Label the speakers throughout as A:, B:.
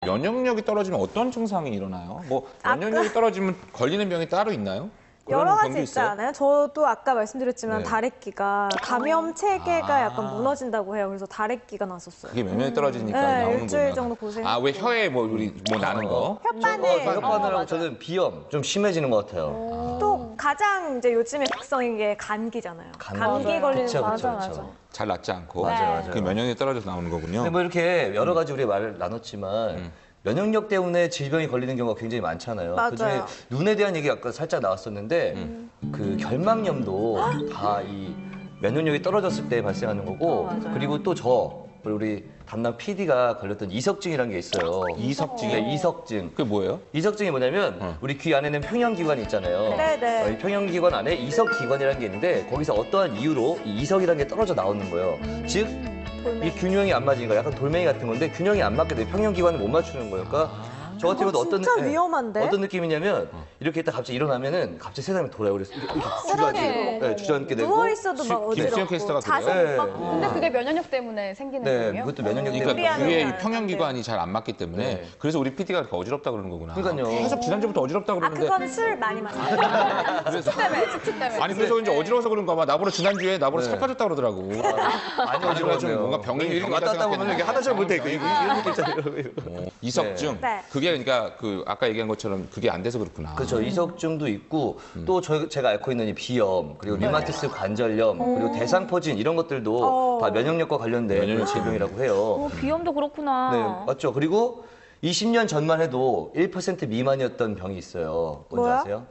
A: 면역력이 떨어지면 어떤 증상이 일어나요? 뭐 면역력이 떨어지면 걸리는 병이 따로 있나요?
B: 여러 가지 있지 않아요? 저도 아까 말씀드렸지만
A: 네.
B: 다래끼가 감염 체계가 약간 무너진다고 해요. 그래서 다래끼가 났었어요.
A: 그게 면역이 떨어지니까
B: 네,
A: 나오는구나.
B: 일주일 정도 고생.
A: 아, 왜 혀에 뭐 우리 뭐 나는 거?
B: 혓바늘.
C: 혓바늘하고 저는 비염 좀 심해지는 것 같아요.
B: 또 가장 이제 요즘에 극성인 게 감기잖아요. 감기
C: 맞아요.
B: 걸리는
C: 그쵸,
B: 거
C: 그쵸,
B: 맞아.
C: 그쵸.
A: 잘 낫지 않고.
C: 맞아요.
A: 그 면역력이 떨어져서 나오는 거군요.
C: 근데 뭐 이렇게 여러 가지 우리 말을 나눴지만 면역력 때문에 질병이 걸리는 경우가 굉장히 많잖아요.
B: 맞아요.
C: 그중에 눈에 대한 얘기 아까 살짝 나왔었는데 그 결막염도 다 이 면역력이 떨어졌을 때 발생하는 거고 그리고 또 우리 담당 PD가 걸렸던 이석증이라는 게 있어요.
A: 이석증이요?
C: 네, 이석증.
A: 그게 뭐예요?
C: 이석증이 뭐냐면 우리 귀 안에는 평형기관이 있잖아요.
B: 네네.
C: 이 평형기관 안에 이석기관이라는 게 있는데 거기서 어떠한 이유로 이 이석이라는 게 떨어져 나오는 거예요. 즉 이 균형이 안 맞으니까 약간 돌멩이 같은 건데 균형이 안 맞게 되면 평형기관을 못 맞추는 거예요. 그러니까 저 같은 경우도
B: 진짜 위험한데?
C: 어떤 느낌이냐면 이렇게 있다 갑자기 일어나면은 갑자기 세상이 돌아요. 그래서 이렇게 주저앉게 되고
B: 누워 있어도 막
A: 김수영
B: 어지럽고
A: 캐스터가
B: 자세
A: 그래요?
B: 못 받고.
D: 근데 그게 면역력 때문에 생기는
C: 네,
D: 거예요?
C: 그것도 면역력
A: 그러니까
C: 때문에.
B: 무리하는
A: 귀에
B: 건
A: 이 평형기관이 잘 안 맞기 때문에
C: 네.
A: 그래서 우리 PD가 이렇게 어지럽다 그러는 거구나.
C: 그러니까요.
A: 계속 지난주부터 어지럽다
B: 아
A: 그러는데
B: 그거는 술 많이 마셔요.
A: 그래서
D: 숙취 때문에.
A: 아니 그래서 이제 어지러워서 그런가 봐. 나보다 지난주에 나보다
C: 네.
A: 살 빠졌다 그러더라고.
C: 많이
A: 아니, 좀
C: 어지러워요.
A: 뭔가 병이
C: 이렇게
A: 병이다
C: 왔다 갔다 보면
A: 생각했는데.
C: 이게 하나 잘 못해. 이런 느낌 있잖아요.
A: 이석증.
B: 네.
A: 그게 그러니까 그 아까 얘기한 것처럼 그게 안 돼서 그렇구나.
C: 그렇죠. 이석증도 있고 또 제가 앓고 있는 이 비염 그리고 류마티스 관절염 그리고 대상포진 이런 것들도 다 면역력과 관련된
A: 면역력
C: 질병이라고 해요.
E: 비염도 그렇구나.
C: 네, 맞죠. 그리고 20년 전만 해도 1% 미만이었던 병이 있어요. 뭔지
B: 뭐야?
C: 아세요?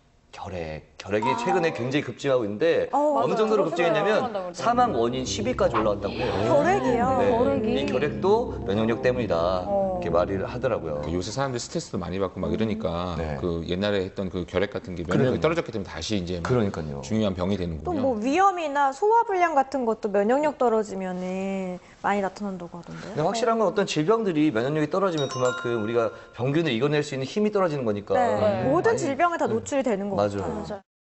C: 결핵이 최근에 굉장히 급증하고 있는데 어느 정도로 급증했냐면 사망 원인 10위까지 올라왔다고 해요.
B: 결핵이요.
C: 네,
E: 결핵이.
C: 이 결핵도 면역력 때문이다 이렇게 말을 하더라고요.
A: 요새 사람들이 스트레스도 많이 받고 막 이러니까
C: 네.
A: 그 옛날에 했던 그 결핵 같은 게 면역력이 떨어졌기 때문에 다시 이제 막
C: 그러니까요.
A: 중요한 병이
B: 또
A: 되는군요.
B: 뭐 위염이나 소화불량 같은 것도 면역력 떨어지면은 많이 나타난다고 하던데요.
C: 근데 확실한 건 어떤 질병들이 면역력이 떨어지면 그만큼 우리가 병균을 이겨낼 수 있는 힘이 떨어지는 거니까.
B: 네. 모든 질병에 다 노출이 되는 것
C: 맞아요.
B: 같아요.